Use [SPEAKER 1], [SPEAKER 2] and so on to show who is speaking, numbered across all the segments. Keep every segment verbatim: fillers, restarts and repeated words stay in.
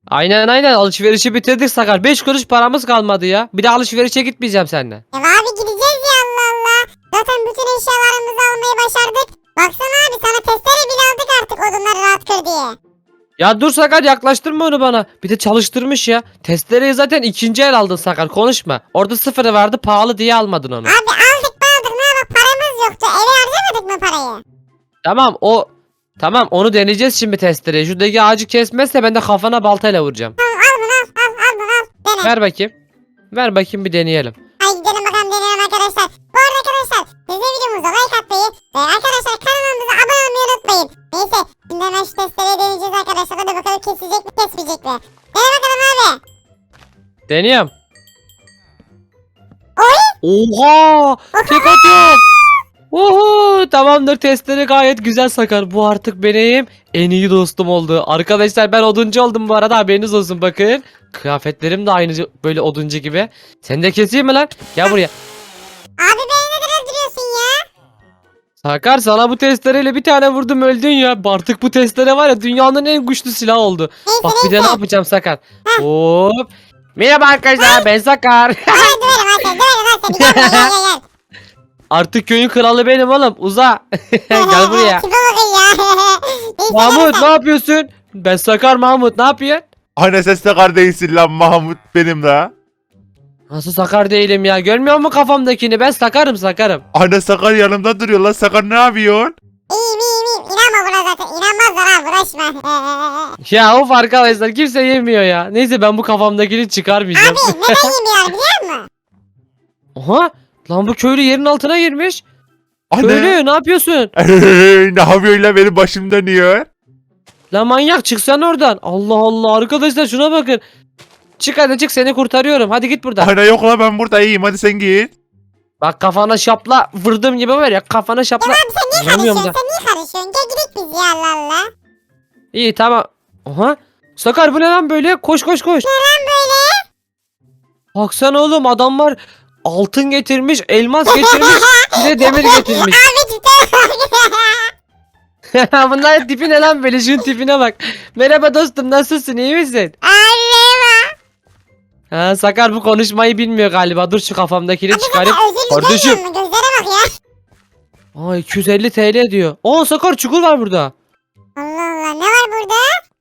[SPEAKER 1] Aynen aynen alışverişi bitirdik Sakar. beş kuruş paramız kalmadı ya. Bir de alışverişe gitmeyeceğim seninle.
[SPEAKER 2] Ya abi gideceğiz ya, Allah Allah. Zaten bütün eşyalarımızı almayı başardık. Baksana abi, sana testere bile aldık artık, odunları rahat kır diye.
[SPEAKER 1] Ya dur Sakar, yaklaştırma onu bana. Bir de çalıştırmış ya. Testereyi zaten ikinci el aldın Sakar, konuşma. Orada sıfırı vardı, pahalı diye almadın onu.
[SPEAKER 2] Abi aldık mı aldık, ne bak, paramız yoktu. Eve harcamadık mı parayı?
[SPEAKER 1] Tamam o tamam onu deneyeceğiz şimdi testereyi. Şuradaki ağacı kesmezse ben de kafana baltayla vuracağım.
[SPEAKER 2] Tamam, al bunu, al al al bunu, al. Dene.
[SPEAKER 1] Ver bakayım. Ver bakayım bir deneyelim.
[SPEAKER 2] Hadi gidelim bakalım, deneyelim arkadaşlar. Bu arada arkadaşlar, siz de videomuza like atmayı ve arkadaşlar kanalımıza abone olmayı unutmayın. Neyse, şimdi hemen şu testereyi deneyeceğiz arkadaşlar. Hadi bakalım, kesecek mi kesmeyecek mi? Dene bakalım abi.
[SPEAKER 1] Deniyorum.
[SPEAKER 2] Oy.
[SPEAKER 1] Oha! Tek atıyor. Oho! Tamamdır, testleri gayet güzel Sakar. Bu artık benim en iyi dostum oldu. Arkadaşlar ben oduncu oldum bu arada, haberiniz olsun bakın. Kıyafetlerim de aynı böyle oduncu gibi. Sen de keseyim mi lan? Gel buraya.
[SPEAKER 2] Abi beni neden öldürüyorsun ya?
[SPEAKER 1] Sakar sana bu testereyle bir tane vurdum öldün ya. Artık bu testere var ya, dünyanın en güçlü silahı oldu.
[SPEAKER 2] Neyse
[SPEAKER 1] Bak bir de ne
[SPEAKER 2] neyse.
[SPEAKER 1] yapacağım Sakar. Hop. Merhaba arkadaşlar, ben Sakar.
[SPEAKER 2] Hadi döverim lan seni, döverim lan seni. Gel buraya, gel gel gel.
[SPEAKER 1] Artık köyün kralı benim oğlum. Uza. Gel buraya.
[SPEAKER 2] Tipe bakın ya. Neyse,
[SPEAKER 1] Mahmut
[SPEAKER 2] neyse.
[SPEAKER 1] ne yapıyorsun? Ben Sakar Mahmut, ne yapıyorsun?
[SPEAKER 3] Anne ses Sakar değilsin lan, Mahmut benim la.
[SPEAKER 1] Nasıl Sakar değilim ya? Görmüyor musun kafamdakini? Ben Sakarım Sakarım.
[SPEAKER 3] Anne Sakar yanımda duruyor lan. Sakar ne yapıyorsun?
[SPEAKER 2] İyiyim iyiyim iyiyim. İnanma buna zaten. İnanmazlar ha, bulaşma.
[SPEAKER 1] Ya of arkadaşlar, kimse yemiyor ya. Neyse ben bu kafamdakini çıkarmayacağım.
[SPEAKER 2] Abi neden yemiyorlar biliyor musun?
[SPEAKER 1] Oha! Lan bu köylü yerin altına girmiş.
[SPEAKER 3] Anne.
[SPEAKER 1] Köylü ne yapıyorsun?
[SPEAKER 3] Ne yapıyorsun lan, benim başım dönüyor.
[SPEAKER 1] Lan manyak, çıksan oradan. Allah Allah arkadaşlar, şuna bakın. Çık hadi çık, seni kurtarıyorum. Hadi git buradan.
[SPEAKER 3] Anne yok lan, ben burada iyiyim, hadi sen git.
[SPEAKER 1] Bak kafana şapla vurdum gibi var ya, kafana şapla.
[SPEAKER 2] Abi sen niye
[SPEAKER 1] Vuramıyorum
[SPEAKER 2] karışıyorsun?
[SPEAKER 1] da.
[SPEAKER 2] Sen niye karışıyorsun? Gel gidelim biz ya, Allah Allah.
[SPEAKER 1] İyi tamam. Oha. Sakar bu ne lan böyle? Koş koş koş.
[SPEAKER 2] Neden böyle?
[SPEAKER 1] Baksana oğlum, adamlar altın getirmiş, elmas getirmiş, bir de demir getirmiş.
[SPEAKER 2] Abi cidden
[SPEAKER 1] Bunlar tipi ne lan böyle? Şunun tipine bak. Merhaba dostum, nasılsın, iyi misin?
[SPEAKER 2] Abi
[SPEAKER 1] Ha, Sakar bu konuşmayı bilmiyor galiba. Dur şu kafamdakini
[SPEAKER 2] Abi
[SPEAKER 1] çıkarayım.
[SPEAKER 2] zaten özürlü
[SPEAKER 1] Kardeşim.
[SPEAKER 2] görmüyor musun? Gözlere bak ya.
[SPEAKER 1] Aa iki yüz elli T L diyor. Aa Sakar, çukur var burada.
[SPEAKER 2] Allah Allah, ne var burada?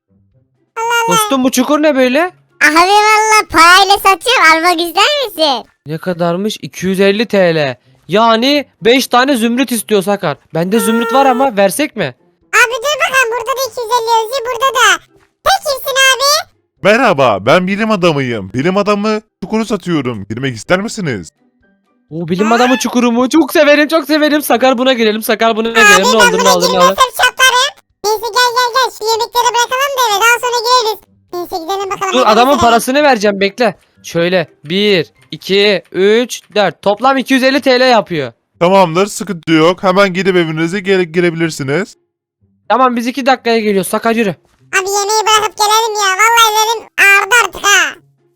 [SPEAKER 1] Dostum bu çukur ne böyle?
[SPEAKER 2] Abi valla parayla satıyorum, almak ister misin?
[SPEAKER 1] Ne kadarmış? iki yüz elli T L. Yani beş tane zümrüt istiyor Sakar. Bende zümrüt var ama versek mi?
[SPEAKER 2] Abi dur bakalım, burada da iki yüz elli yazıyor, burada da. Sen kimsin abi?
[SPEAKER 3] Merhaba, ben bilim adamıyım. Bilim adamı çukuru satıyorum. Girmek ister misiniz?
[SPEAKER 1] O bilim adamı çukuru mu? Çok severim çok severim. Sakar buna girelim. Sakar buna girelim. Ne
[SPEAKER 2] ben
[SPEAKER 1] olur ne
[SPEAKER 2] buna
[SPEAKER 1] olur ne olur.
[SPEAKER 2] girmezsem çatlarım. Neyse gel gel gel, şu yemekleri bırakalım da eve, daha sonra gireriz. Neyse gidelim bakalım.
[SPEAKER 1] Dur,
[SPEAKER 2] hadi
[SPEAKER 1] adamın
[SPEAKER 2] mesela.
[SPEAKER 1] parasını vereceğim, bekle. Şöyle bir, iki, üç, dört. Toplam iki yüz elli T L yapıyor.
[SPEAKER 3] Tamamdır, sıkıntı yok. Hemen gidip evinize gere girebilirsiniz.
[SPEAKER 1] Tamam biz iki dakikaya geliyoruz. Sakar yürü.
[SPEAKER 2] Abi yemeği bırakıp gelelim ya. Vallahi ellerim ağrıdı artık ha.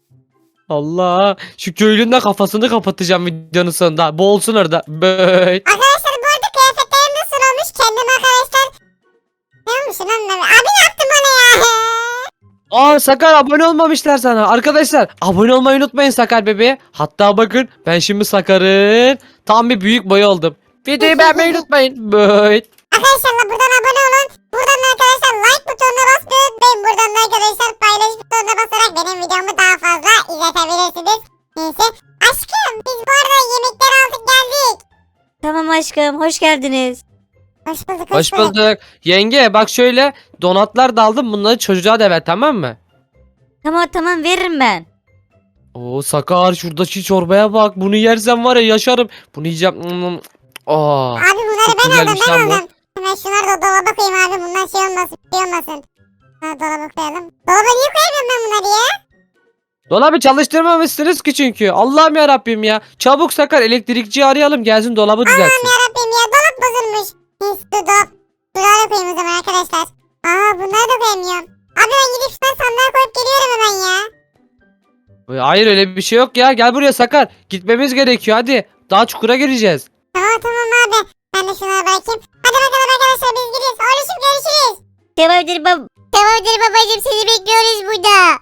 [SPEAKER 1] Allah. Şu köylünün de kafasını kapatacağım videonun sonunda. Boğulsun orada. Böyle.
[SPEAKER 2] Arkadaşlar bu arada kıyafetlerim nasıl olmuş? Kendim arkadaşlar. Ne olmuş lan? Abi ne yaptın bana ya?
[SPEAKER 1] Aa Sakar, abone olmamışlar sana. Arkadaşlar abone olmayı unutmayın Sakar bebeğe. Hatta bakın ben şimdi Sakar'ın tam bir büyük boy oldum. Videoyu beğenmeyi unutmayın. Böyle.
[SPEAKER 2] Arkadaşlar buradan abone olun. Buradan da arkadaşlar like butonuna basmayı unutmayın. Buradan da arkadaşlar paylaş butonuna basarak benim videomu daha fazla izletebilirsiniz. Neyse. Aşkım biz bu arada yemekleri aldık geldik.
[SPEAKER 4] Tamam aşkım, hoş geldiniz.
[SPEAKER 2] Hoş bulduk
[SPEAKER 1] Hoş bulduk. Yenge bak şöyle donatlar da aldım, bunları çocuğa da ver, tamam mı?
[SPEAKER 4] Tamam tamam, veririm ben.
[SPEAKER 1] Oo Sakar, şuradaki çorbaya bak. Bunu yersem var ya yaşarım. Bunu yiyeceğim. Hmm. Aa.
[SPEAKER 2] Abi bunları
[SPEAKER 1] Çok
[SPEAKER 2] ben aldım
[SPEAKER 1] güzelmiş
[SPEAKER 2] ben
[SPEAKER 1] lan bu.
[SPEAKER 2] aldım. Hemen şunları da dolaba koyayım abi. Bundan şey olmasın. Şey olmasın. Ha, dolaba koyalım. Dolaba niye koyamıyorum ben bunları ya?
[SPEAKER 1] Dolabı çalıştırmamışsınız ki çünkü. Allah'ım ya Rabbim ya. Çabuk Sakar, elektrikçiyi arayalım, gelsin dolabı düzeltsin.
[SPEAKER 2] Allah'ım yarabbim ya, dolap bozulmuş. Neyse dur dolap. Dolaba koyayım o zaman arkadaşlar. Aa bunları da koyamıyorum. Abi ben gidip şuradan sandığa koyup geliyorum hemen ya.
[SPEAKER 1] Hayır öyle bir şey yok ya. Gel buraya Sakar. Gitmemiz gerekiyor hadi. Daha çukura gireceğiz.
[SPEAKER 2] Tamam tamam abi. Ben de şunları bırakayım. Hadi bakalım arkadaşlar, biz gidiyoruz. Oğlum görüşürüz.
[SPEAKER 4] Tamamdır bab Tamamdır babacığım, seni bekliyoruz burada.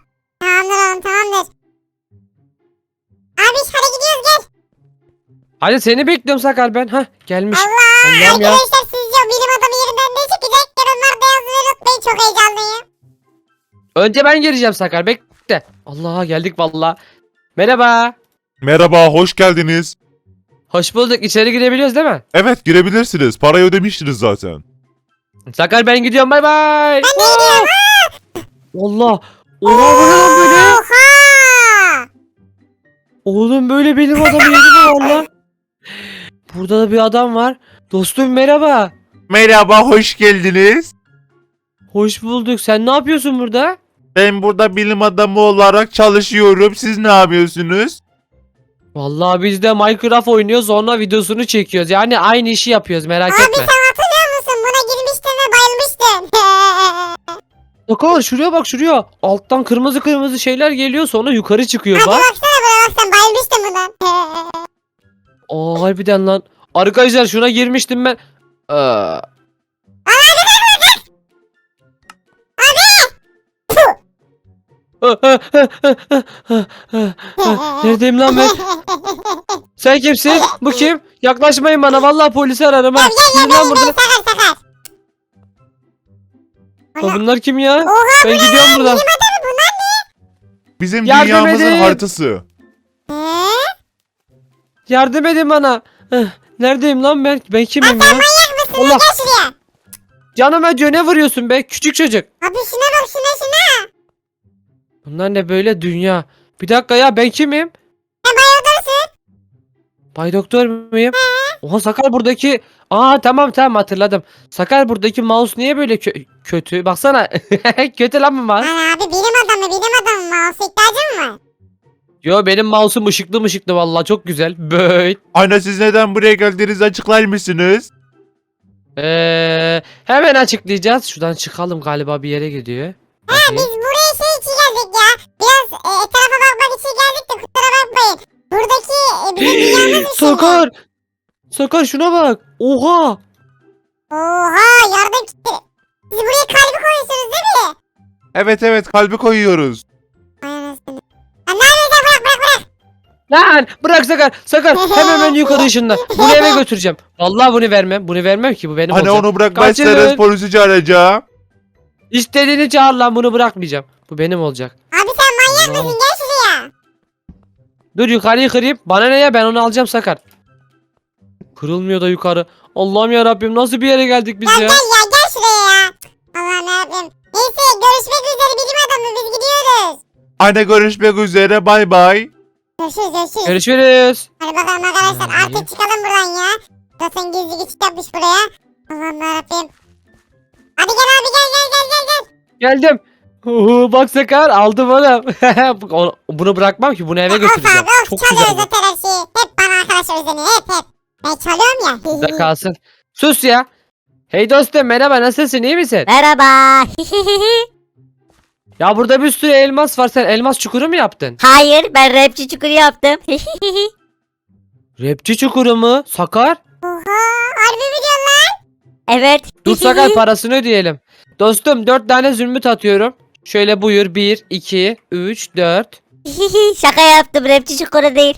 [SPEAKER 2] Tamamdır oğlum tamamdır. Abi hadi gidiyoruz gel.
[SPEAKER 1] Hadi seni bekliyorum Sakar ben. Hah gelmiş.
[SPEAKER 2] Allah
[SPEAKER 1] Allah'ım ya.
[SPEAKER 2] arkadaşlar sizce o bilim adamı yerinden ne çıkacak? Yorumlarda yazmayı unutmayın, çok heyecanlıyım.
[SPEAKER 1] Önce ben gireceğim Sakar bekle. Allah geldik valla. Merhaba.
[SPEAKER 3] Merhaba, hoş geldiniz.
[SPEAKER 1] Hoş bulduk. İçeri girebiliyoruz değil mi?
[SPEAKER 3] Evet, girebilirsiniz. Parayı ödemiştiniz zaten.
[SPEAKER 1] Sakar ben gidiyorum bay bay. Ben de gidiyorum. Allah. Oha bu ne lan böyle?
[SPEAKER 2] Oha!
[SPEAKER 1] Oğlum böyle benim adamı yedi mi valla? Burada da bir adam var. Dostum merhaba.
[SPEAKER 3] Merhaba, hoş geldiniz.
[SPEAKER 1] Hoş bulduk. Sen ne yapıyorsun burada?
[SPEAKER 3] Ben burada bilim adamı olarak çalışıyorum. Siz ne yapıyorsunuz?
[SPEAKER 1] Vallahi biz de Minecraft oynuyoruz sonra videosunu çekiyoruz. Yani aynı işi yapıyoruz merak
[SPEAKER 2] Abi
[SPEAKER 1] etme.
[SPEAKER 2] sen hatırlıyor musun? Buna girmiştin ve bayılmıştın.
[SPEAKER 1] Sakar şuraya bak şuraya. Alttan kırmızı kırmızı şeyler geliyor sonra yukarı çıkıyor
[SPEAKER 2] Hadi
[SPEAKER 1] bak.
[SPEAKER 2] baksana buraya bak, sen bayılmıştın bundan.
[SPEAKER 1] Aa harbiden lan. Arkadaşlar şuna girmiştim ben. Aa. Neredeyim lan ben? Sen kimsin? Bu kim? Yaklaşmayın bana. Vallahi polisi ararım ha.
[SPEAKER 2] Gel
[SPEAKER 1] Gidin
[SPEAKER 2] gel
[SPEAKER 1] lan
[SPEAKER 2] gel
[SPEAKER 1] buradan.
[SPEAKER 2] gel sakar sakar.
[SPEAKER 1] Aa, bunlar kim ya?
[SPEAKER 2] Oha
[SPEAKER 1] Ben gidiyorum buradan.
[SPEAKER 2] bilim adamı bunlar
[SPEAKER 3] Bizim
[SPEAKER 1] Yardım
[SPEAKER 3] dünyamızın
[SPEAKER 1] edin.
[SPEAKER 3] haritası.
[SPEAKER 2] ne?
[SPEAKER 1] Yardım edin bana. Eh, Neredeyim lan ben? Ben kimim ya?
[SPEAKER 2] Manyak mısın?
[SPEAKER 1] Allah.
[SPEAKER 2] Gel şuraya.
[SPEAKER 1] Canım acıyor ne vuruyorsun be? Küçük çocuk.
[SPEAKER 2] Abi şuna bak şuna şuna.
[SPEAKER 1] Bunlar ne böyle dünya? Bir dakika ya ben kimim?
[SPEAKER 2] Sen bayıldırsın.
[SPEAKER 1] Bay Doktor muyum? Oha Sakar buradaki... Aa tamam tamam hatırladım. Sakar buradaki mouse niye böyle kö- kötü? Baksana. Kötü lan bu mouse.
[SPEAKER 2] Lan abi bilim adamı bilim adamı mouse ihtiyacın mı var?
[SPEAKER 1] Yo benim mouse'um ışıklı mışıklı vallahi çok güzel. Böyle.
[SPEAKER 3] Ana, siz neden buraya geldiğinizi açıklar mısınız?
[SPEAKER 1] Ee, hemen açıklayacağız. Şuradan çıkalım galiba bir yere gidiyor.
[SPEAKER 2] Ha biz buraya şey için geldik ya. Biraz e, etrafa bakmak için geldik de kusura bakmayın. Buradaki e, bizim dünyamız için.
[SPEAKER 1] Sakar. Sakar şuna bak. Oha.
[SPEAKER 2] Oha yardım kitti. Siz buraya kalbi koyuyorsunuz değil mi?
[SPEAKER 3] Evet evet, kalbi koyuyoruz.
[SPEAKER 2] Ay anasını. Lan ne yapıyorsun, bırak bırak bırak.
[SPEAKER 1] Lan bırak Sakar. Sakar hemen hemen yukarı ışınla. Bunu eve götüreceğim. Vallahi bunu vermem. Bunu vermem ki bu benim
[SPEAKER 3] Ana,
[SPEAKER 1] olacak.
[SPEAKER 3] onu bırakmazsanız
[SPEAKER 1] Kaçın.
[SPEAKER 3] polisi çağıracağım.
[SPEAKER 1] İstediğini çağır lan bunu bırakmayacağım. Bu benim olacak.
[SPEAKER 2] Abi sen manyak
[SPEAKER 1] Allah.
[SPEAKER 2] mısın, gel şuraya.
[SPEAKER 1] Dur yukarıyı kırayım. Bana ne ya ben onu alacağım Sakar. Kırılmıyor da yukarı. Allah'ım ya Rabbim nasıl bir yere geldik biz
[SPEAKER 2] Gel
[SPEAKER 1] ya?
[SPEAKER 2] gel ya gel şuraya ya. Allah'ım yarabbim. Neyse görüşmek üzere bilim adamı, biz gidiyoruz.
[SPEAKER 3] Ana, görüşmek üzere, bay bay.
[SPEAKER 2] Görüşürüz görüşürüz.
[SPEAKER 1] Görüşürüz.
[SPEAKER 2] Hadi bakalım arkadaşlar
[SPEAKER 1] Ay.
[SPEAKER 2] artık çıkalım buradan ya. Zaten gizli geçit yapmış buraya. Allah'ım yarabbim. Hadi gel abi gel gel gel gel gel.
[SPEAKER 1] Geldim. Uhu, bak Sakar aldım onu. Onu- bunu bırakmam ki bunu eve
[SPEAKER 2] Of
[SPEAKER 1] götüreceğim.
[SPEAKER 2] abi of
[SPEAKER 1] Çok
[SPEAKER 2] çalıyoruz
[SPEAKER 1] güzel. bu.
[SPEAKER 2] zaten her şeyi. Hep bana arkadaşlar özeniyor hep hep. Ben çalıyorum ya.
[SPEAKER 1] Burada kalsın. Sus ya. Hey dostum merhaba nasılsın iyi misin?
[SPEAKER 4] Merhaba.
[SPEAKER 1] Ya burada bir sürü elmas var sen elmas çukuru mu yaptın?
[SPEAKER 4] Hayır, ben rapçi çukuru yaptım.
[SPEAKER 1] Rapçi çukuru mu? Sakar?
[SPEAKER 2] Oha harbi mi diyorsun lan?
[SPEAKER 4] Evet.
[SPEAKER 1] Dur Sakar parasını ödeyelim. Dostum dört tane zümrüt atıyorum. Şöyle buyur bir, iki, üç, dört.
[SPEAKER 4] Şaka yaptım, rapçi çukuru değil.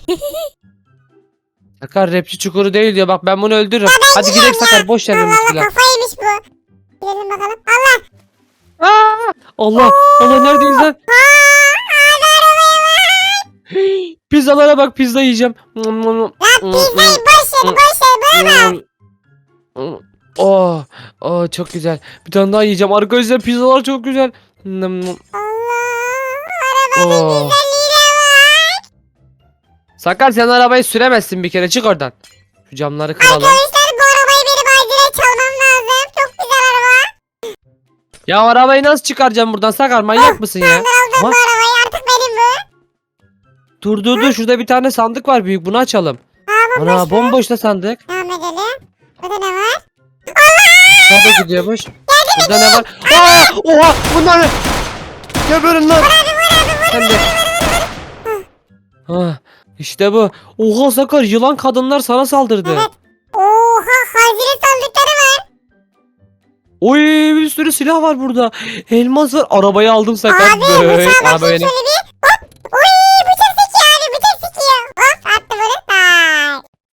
[SPEAKER 1] Sakar rapçi çukuru değil diyor bak ben bunu öldürürüm. Hadi gidelim
[SPEAKER 2] gidiyorum
[SPEAKER 1] Sakar boş ver
[SPEAKER 2] Allah
[SPEAKER 1] benim
[SPEAKER 2] Allah
[SPEAKER 1] silah.
[SPEAKER 2] kafaymış bu. Gidelim bakalım. Allah.
[SPEAKER 1] Aa! Allah Allah neredeyiz lan?
[SPEAKER 2] Abi arabaya bak.
[SPEAKER 1] Pizzalara bak pizza yiyeceğim.
[SPEAKER 2] Lan pizzayı boş ver boş ver bırak.
[SPEAKER 1] Oh, oh çok güzel. Bir tane daha yiyeceğim. Arkadaşlar pizzalar çok güzel.
[SPEAKER 2] Allah. Arabanın
[SPEAKER 1] Oh.
[SPEAKER 2] güzelliğine bak.
[SPEAKER 1] Sakar sen arabayı süremezsin bir kere çık oradan. Şu camları kıralım.
[SPEAKER 2] Arkadaşlar bu arabayı benim acilen çalmam lazım. Çok güzel araba.
[SPEAKER 1] Ya arabayı nasıl çıkaracağım buradan Sakar manyak mısın ya?
[SPEAKER 2] Ben aldım
[SPEAKER 1] Ama-
[SPEAKER 2] bu arabayı, artık benim bu.
[SPEAKER 1] Dur dur dur şurada bir tane sandık var büyük bunu açalım.
[SPEAKER 2] Aa bu
[SPEAKER 1] Ana bomboş da sandık.
[SPEAKER 2] Devam edelim. Burada ne var?
[SPEAKER 1] Nerede gidiyormuş? Burada ne var? Aa, oha bunlar ne? Geberin lan. Sen de. Ah, işte bu. Oha Sakar yılan kadınlar sana saldırdı.
[SPEAKER 2] Evet. Oha hazine sandıkları var.
[SPEAKER 1] Oy bir sürü silah var burada. Elmas var. Arabayı aldım Sakar.
[SPEAKER 2] Abi
[SPEAKER 1] Böyle
[SPEAKER 2] bıçağa
[SPEAKER 1] araba
[SPEAKER 2] bakayım
[SPEAKER 1] benim.
[SPEAKER 2] şöyle bir.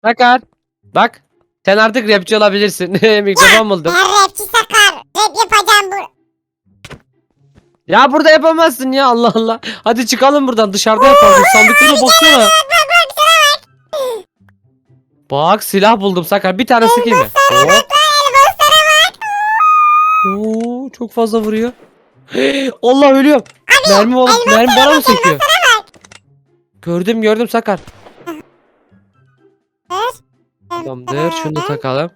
[SPEAKER 1] Sakar. Bak. Sen artık rapçi olabilirsin. Mikrofon buldum.
[SPEAKER 2] Ben rapçi Sakar. Rap yapacağım bu.
[SPEAKER 1] Ya burada yapamazsın ya, Allah Allah. Hadi çıkalım buradan, dışarıda yapalım. Sandıklara baksana. Bak, silah buldum Sakar. Bir tane sıkayım mı? Hop. Oo, çok fazla vuruyor. Allah, ölüyorum. Mermi, var, mermi bana mı sekiyor? Gördüm gördüm Sakar. Tamamdır, şunu da takalım.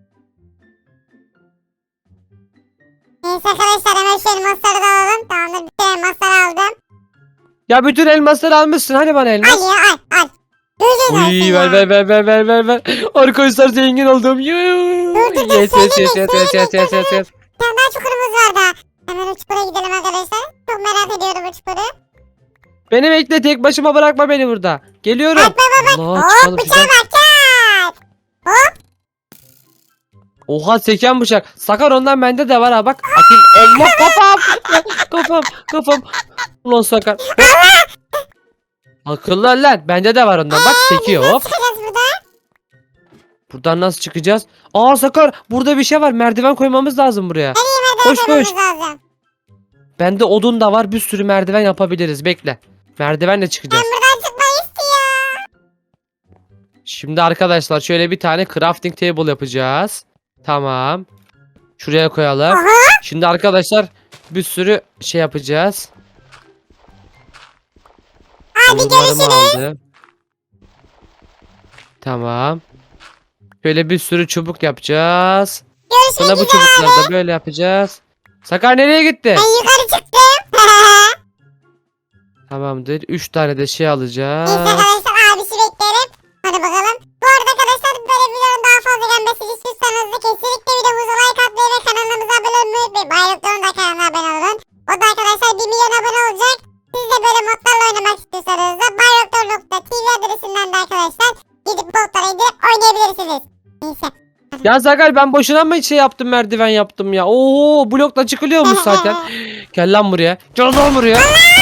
[SPEAKER 2] Neyse arkadaşlar hemen şu elmasları da alalım. Tamamdır, bütün elmasları aldım.
[SPEAKER 1] Ya bütün elmasları almışsın, hani bana elmas.
[SPEAKER 2] Al ya al al. Gözün olsun
[SPEAKER 1] Uy,
[SPEAKER 2] ya.
[SPEAKER 1] ver ver ver ver ver ver ver. Arkadaşlar zengin oldum. Yuh.
[SPEAKER 2] Dur, dur, dur,
[SPEAKER 1] Yes yes yes
[SPEAKER 2] söyleme,
[SPEAKER 1] yes yes yes yes yes yes.
[SPEAKER 2] Bir tane daha çukurumuz var daha. Hemen o çukura gidelim arkadaşlar. Çok merak ediyorum bu çukuru.
[SPEAKER 1] Beni bekle, tek başıma bırakma beni burada. Geliyorum.
[SPEAKER 2] Bak bak bak.
[SPEAKER 1] Allah,
[SPEAKER 2] Hop
[SPEAKER 1] çıkalım
[SPEAKER 2] bıçağa
[SPEAKER 1] şuradan.
[SPEAKER 2] bak çat.
[SPEAKER 1] Oha, seken bıçak. Sakar, ondan bende de var ha, bak. Atayım. Allah, kafam. Kafam kafam. Ulan Sakar. Akıllı ol lan. Bende de var ondan. Bak, sekiyor hop.
[SPEAKER 2] Çıkacağız buradan.
[SPEAKER 1] Buradan nasıl çıkacağız? Aa Sakar, burada bir şey var. Merdiven koymamız lazım buraya. Koş koş.
[SPEAKER 2] Koymamız lazım.
[SPEAKER 1] Bende odun da var. Bir sürü merdiven yapabiliriz. Bekle. Merdivenle
[SPEAKER 2] Ben
[SPEAKER 1] çıkacağız.
[SPEAKER 2] buradan çıkmayı istiyorum.
[SPEAKER 1] Şimdi arkadaşlar şöyle bir tane crafting table yapacağız. Tamam. Şuraya koyalım.
[SPEAKER 2] Aha.
[SPEAKER 1] Şimdi arkadaşlar bir sürü şey yapacağız.
[SPEAKER 2] Hadi
[SPEAKER 1] Odunlarımı
[SPEAKER 2] görüşürüz.
[SPEAKER 1] aldım. Tamam. Şöyle bir sürü çubuk yapacağız. Sonra
[SPEAKER 2] Görüşmek
[SPEAKER 1] bu
[SPEAKER 2] üzere.
[SPEAKER 1] çubukları da böyle yapacağız. Sakar nereye gitti?
[SPEAKER 2] Ben yukarı çıktım.
[SPEAKER 1] Tamamdır. Üç tane de şey alacağız.
[SPEAKER 2] Neyse arkadaşlar abisi beklerim. Hadi bakalım. Bu arada arkadaşlar böyle videoların daha fazla gelmesini istiyorsanız da kesinlikle videomuza like atmayı ve kanalımıza abone olmayı unutmayın. Bayrakların da kanalına abone olun. O da arkadaşlar bir milyon abone olacak. Siz de böyle modlarla oynamak istiyorsanız da bayraklar nokta tv adresinden de arkadaşlar gidip modlara indirip oynayabilirsiniz. Neyse.
[SPEAKER 1] Ya Sakar, ben boşuna mı şey yaptım, merdiven yaptım ya? Oo, blokla çıkılıyormuş zaten. Gel lan buraya. Gel lan buraya.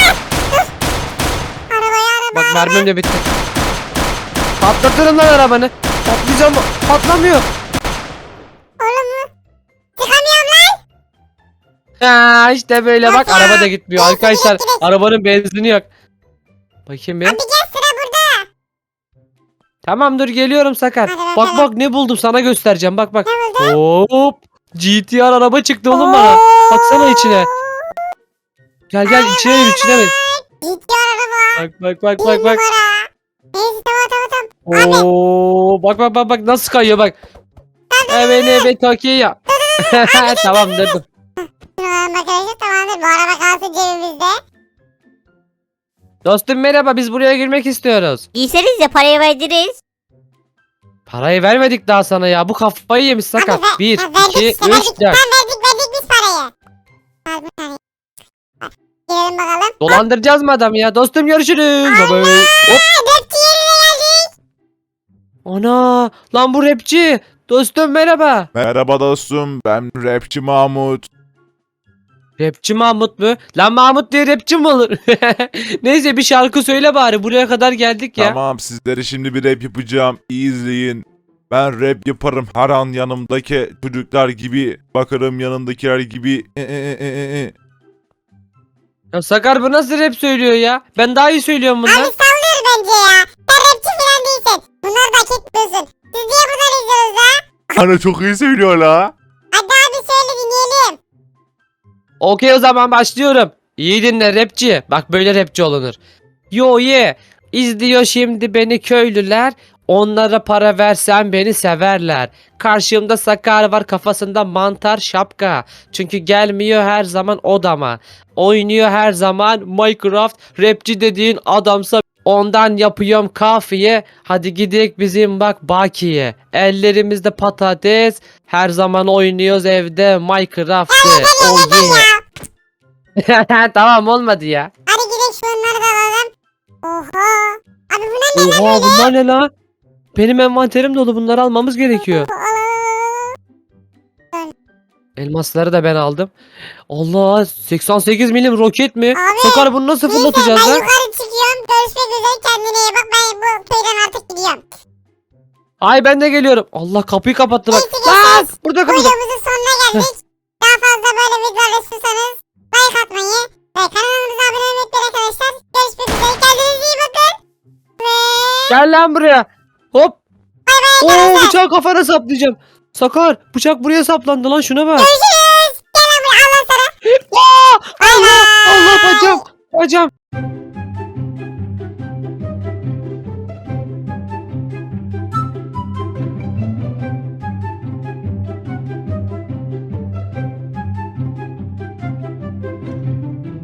[SPEAKER 2] Arabaya araba.
[SPEAKER 1] Bak, mermim de bitti. Patlatırım lan arabanı. Patlayacağım. Patlamıyor.
[SPEAKER 2] Oğlum mu? Çıkamıyorum lan.
[SPEAKER 1] Ha, işte böyle bak,
[SPEAKER 2] Bak ya.
[SPEAKER 1] araba da gitmiyor
[SPEAKER 2] Benzini
[SPEAKER 1] arkadaşlar.
[SPEAKER 2] yok, direkt.
[SPEAKER 1] Arabanın benzini yok. Bakayım bir.
[SPEAKER 2] Hadi gel sıra burada.
[SPEAKER 1] Tamam, dur geliyorum Sakar.
[SPEAKER 2] Hadi
[SPEAKER 1] Bak
[SPEAKER 2] bakalım.
[SPEAKER 1] bak, ne buldum sana göstereceğim. Bak bak.
[SPEAKER 2] Ne buldun?
[SPEAKER 1] Hop. G T R araba çıktı oğlum bana. Baksana içine. Gel gel, içine bin, içine bin.
[SPEAKER 2] Gidiyor araba.
[SPEAKER 1] Bak bak bak
[SPEAKER 2] Bir
[SPEAKER 1] bak bak.
[SPEAKER 2] numara. Neyse tamam tamam tamam.
[SPEAKER 1] Oo, bak bak bak bak nasıl kayıyor bak. Evet evet, Tokyo. Tamam, dur dur.
[SPEAKER 2] Şuradan arkadaşlar tamamdır. Bu araba kalsın cebimizde.
[SPEAKER 1] Dostum merhaba, biz buraya girmek istiyoruz.
[SPEAKER 4] Giyseniz de parayı veririz.
[SPEAKER 1] Parayı vermedik daha sana ya. Bu kafayı yemiş Sakar.
[SPEAKER 2] Hadi ver-
[SPEAKER 1] bir,
[SPEAKER 2] ha, verdik
[SPEAKER 1] iki,
[SPEAKER 2] işte,
[SPEAKER 1] üç,
[SPEAKER 2] verdik.
[SPEAKER 1] dört.
[SPEAKER 2] Tamam verdik verdik biz parayı. Al bir tane. Bak, girelim bakalım.
[SPEAKER 1] Dolandıracağız mı adamı ya? Dostum görüşürüz. Bye bye. Hop.
[SPEAKER 2] Rapçi yerine geldik.
[SPEAKER 1] Ana. Lan bu rapçi. Dostum merhaba.
[SPEAKER 3] Merhaba dostum, ben rapçi Mahmut.
[SPEAKER 1] Rapçi Mahmut mu? Lan Mahmut diye rapçi mi olur? Neyse, bir şarkı söyle bari. Buraya kadar geldik ya.
[SPEAKER 3] Tamam, sizlere şimdi bir rap yapacağım. İyi izleyin. Ben rap yaparım her an yanımdaki çocuklar gibi. Bakarım yanındakiler gibi. E, e, e, e, e.
[SPEAKER 1] Ya Sakar, bu nasıl rap söylüyor ya? Ben daha iyi söylüyorum
[SPEAKER 2] Abi
[SPEAKER 1] bundan.
[SPEAKER 2] sallıyor bence ya. Sen rapçi falan değilsin. Bunları da hak etmiyorsun. Siz niye bunları izliyorsunuz ha?
[SPEAKER 3] Ana çok iyi söylüyor la.
[SPEAKER 2] Hadi abi söyle dinleyelim.
[SPEAKER 1] Okey, o zaman başlıyorum. İyi dinle rapçi. Bak, böyle rapçi olunur. Yo ye. İzliyor şimdi beni köylüler. Onlara para versen beni severler. Karşımda Sakar var, kafasında mantar şapka. Çünkü gelmiyor her zaman odama. Oynuyor her zaman Minecraft. Rapçi dediğin adamsa ondan yapıyorum kafiye. Hadi gidelim bizim bak Baki'ye. Ellerimizde patates. Her zaman oynuyoruz evde Minecraft'ı. Oh yeah. Tamam, olmadı ya.
[SPEAKER 2] Hadi gidelim şunları da alalım. Oha. Abi bunlar ne?
[SPEAKER 1] Oha, bunlar ne la? Benim envanterim dolu, bunları almamız gerekiyor. Elmasları da ben aldım. Allah, seksen sekiz milim roket mi?
[SPEAKER 2] Abi,
[SPEAKER 1] Sakar, bunu nasıl
[SPEAKER 2] Neyse
[SPEAKER 1] fırlatacağız
[SPEAKER 2] ben
[SPEAKER 1] lan?
[SPEAKER 2] yukarı çıkıyorum. Görüşmek üzere kendine iyi bak. Ben bu köyden artık gidiyorum.
[SPEAKER 1] Ay ben de geliyorum. Allah kapıyı kapattı bak.
[SPEAKER 2] Neyse,
[SPEAKER 1] Lan
[SPEAKER 2] geçeriz.
[SPEAKER 1] burada kapıda.
[SPEAKER 2] Videomuzun sonuna geldik. Daha fazla böyle videolar istiyorsanız like atmayı ve kanalımıza abone olmayı unutmayın arkadaşlar. Görüşmek üzere. Kendinize iyi bakın. Ve
[SPEAKER 1] Gel lan buraya. Hop. Oo
[SPEAKER 2] arkadaşlar.
[SPEAKER 1] bıçağı kafana saplayacağım. Sakar bıçak buraya saplandı lan şuna bak.
[SPEAKER 2] Görüşürüz. Gel lan buraya Allah sana.
[SPEAKER 1] Aa,
[SPEAKER 2] Bay
[SPEAKER 1] Allah
[SPEAKER 2] bay.
[SPEAKER 1] Allah bacağım. Bacağım.